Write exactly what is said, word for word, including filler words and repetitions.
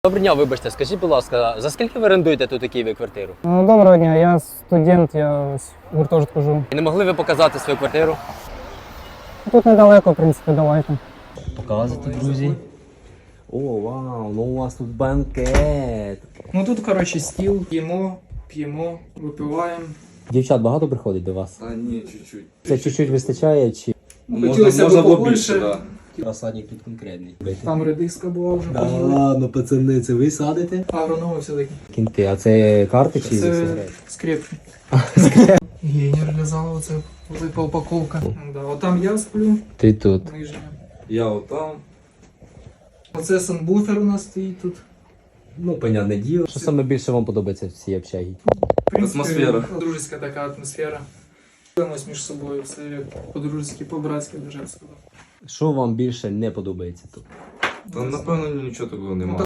Доброго дня, вибачте, скажіть, будь ласка, за скільки ви орендуєте тут у Києві квартиру? Ну, доброго дня, я студент, я ось в гуртожитку живу. І не могли ви показати свою квартиру? Тут недалеко, в принципі, давайте. Показуйте, друзі. О, вау, ну у вас тут банкет. Ну тут, коротше, стіл, п'ємо, п'ємо, випиваємо. Дівчат багато приходить до вас? А ні, чуть-чуть. Це чуть-чуть вистачає чи Можна, Хотілося б можна було побольше. більше, да. розсадник тут конкретний? Там редиска була вже Да поїли. ладно, пацани, це ви садите? Агрономи все-таки. Кінти, а це карти чи Це сигарети? скрепки. Гейнер для залу, це велика упаковка. Да, отам я сплю, Ти тут. нижня. Я отам. Оце санбуфер у нас стоїть тут. Ну, понятне діло. Що саме більше вам подобається в цій общагі? В принципі, Атмосфера. Дружеська така атмосфера. Спілимось між собою, все як по-дружески, по-братськи, дуже б сказав. Що вам більше не подобається тут? Та напевно нічого такого немає.